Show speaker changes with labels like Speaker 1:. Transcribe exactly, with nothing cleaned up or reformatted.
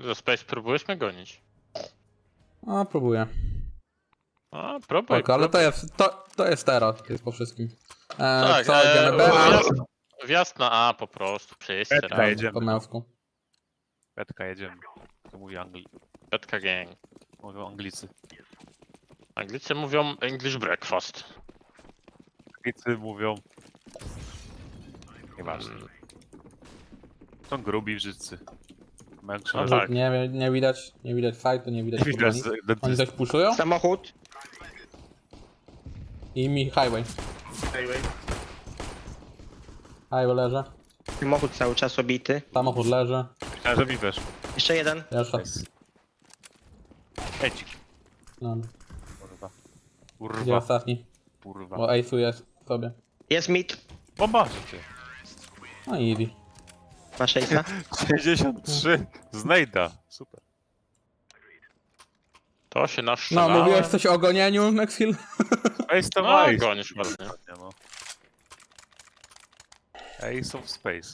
Speaker 1: Za Space próbujesz mnie gonić.
Speaker 2: A, próbuję.
Speaker 1: A, próbuj,
Speaker 2: Tak, ale to
Speaker 1: próbuj.
Speaker 2: jest, to, to jest teraz, jest po wszystkim. E,
Speaker 1: Tak,
Speaker 2: co, idziemy
Speaker 1: e,
Speaker 2: B?
Speaker 1: wjazd, wjazd na A po prostu, wszyscy
Speaker 3: Petka
Speaker 1: razem.
Speaker 3: jedziemy.
Speaker 2: Po męsku.
Speaker 3: Petka jedziemy. To mówi Angli...
Speaker 1: Petka gang.
Speaker 3: Mówią Anglicy.
Speaker 1: Anglicy mówią English breakfast.
Speaker 3: Anglicy mówią... Nieważne.
Speaker 1: Mm,
Speaker 3: Są grubi wszyscy. Mają
Speaker 1: No
Speaker 3: krzywe
Speaker 1: tak.
Speaker 2: Nie, nie widać, nie widać fightu, nie widać
Speaker 3: Nie widać
Speaker 2: kurwa nic.
Speaker 3: z-
Speaker 2: Oni
Speaker 3: dentysty.
Speaker 2: coś puszują
Speaker 4: Samochód.
Speaker 2: i mi highway. Highway leży,
Speaker 4: Samochód cały czas obity.
Speaker 2: samochód leży,
Speaker 3: Myślałem, że mi weszło.
Speaker 4: Jeszcze jeden.
Speaker 2: jeszcze.
Speaker 3: Nice. Edzik.
Speaker 2: No,
Speaker 3: Kurwa.
Speaker 2: gdzie
Speaker 3: Kurwa.
Speaker 2: ostatni?
Speaker 3: Kurwa.
Speaker 2: Bo Ace'u jest sobie.
Speaker 4: Jest mid.
Speaker 3: Bomba, ty.
Speaker 2: No i easy.
Speaker 4: Masz Ace'a?
Speaker 3: sześćdziesiąt trzy. Znajda. Super.
Speaker 1: To się
Speaker 2: No,
Speaker 1: naszczelało.
Speaker 2: mówiłeś coś o gonieniu, Maxfield?
Speaker 3: Ace to
Speaker 1: No,
Speaker 3: Ace.
Speaker 1: gonisz ładnie.
Speaker 3: No. Ace of Space.